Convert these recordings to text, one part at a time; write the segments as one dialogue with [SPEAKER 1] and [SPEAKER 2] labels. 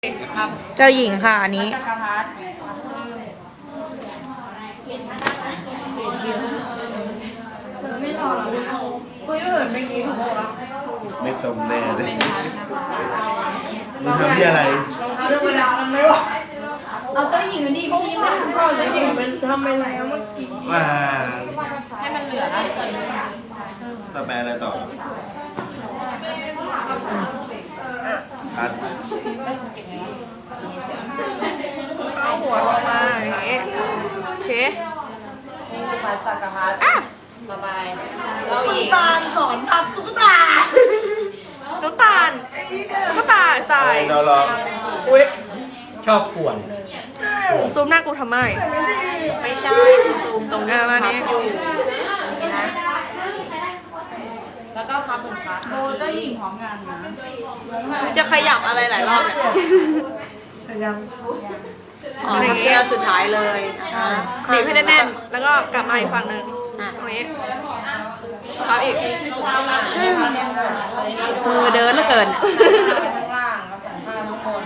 [SPEAKER 1] เจ้าหญิงค่ะอันนี้
[SPEAKER 2] จักรพรรดิคุยเหินเมื่อกี้ถูกป่าวะ
[SPEAKER 3] ไม่ตรงแน่เลยมึงทำที่อะไร
[SPEAKER 2] รองเท้าธรรมดามันไม่ไหว
[SPEAKER 4] เอาเจ้าหญิงดีพี่มา
[SPEAKER 2] ก็จะหญิงเป็นทำอะไรเมื่อกี้
[SPEAKER 3] ว่า
[SPEAKER 2] ให้มันเหลือนะ
[SPEAKER 3] ต่อไปอะไรต่อพัด
[SPEAKER 1] เอาหัวลงมาอย่างนี้โอเค
[SPEAKER 2] นี่คือพระจักรพรรดิต่อไปเจ้าห
[SPEAKER 1] คุณ
[SPEAKER 2] ญิง
[SPEAKER 1] ตาลสอนพับตุ๊กตาน้ำตาลตุ๊กตาใส่
[SPEAKER 3] เราลอง
[SPEAKER 1] อุ้ย
[SPEAKER 5] ชอบป่วน
[SPEAKER 1] ซูมหน้ากูทำไม
[SPEAKER 2] ไม่ใช่ซูมตรงนี้
[SPEAKER 1] มา
[SPEAKER 2] พั
[SPEAKER 1] นี้
[SPEAKER 2] บอยู่นี่นะแล้วก็พับเป็นพัด
[SPEAKER 4] โดเจ้าหญิงพร้อมกันนะ
[SPEAKER 1] มันจะขยับอะไรหลายรอบเนี่ย
[SPEAKER 2] แต่ยัง
[SPEAKER 1] อ๋ออย่าง
[SPEAKER 2] เจ้า
[SPEAKER 1] งี้
[SPEAKER 2] สุดท้ายเลยนะ
[SPEAKER 1] บีบให้แน่นๆแล้วก็กลับมาอีกฝั่งหนึ่งตรงนี้พับอีก
[SPEAKER 2] นี่พับแน่นหมดใส่นี่ด้วย
[SPEAKER 1] มือเดินเหลือเกิน
[SPEAKER 2] ไปข้างล่างแล้วสันผ้าทุกคน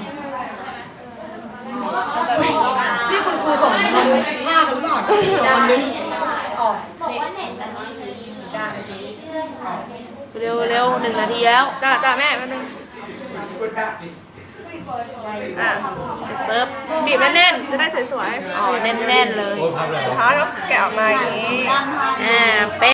[SPEAKER 2] มันจะมีนี่คุณครูส่งทำผ้ากันหรือเปล่าได้ออกนี่ได้
[SPEAKER 1] เร็วเร็ว1 นาทีแล้วจ้าแม่แป๊บนึงอ่ะเสร็จปุ๊บบีบแน่นๆจะได้สวยๆอ๋อแน่นๆเลย
[SPEAKER 5] โอ้ยพับแล้ว
[SPEAKER 1] สุดท้ายก็แกะออกมาอย่างนี้เป๊ะ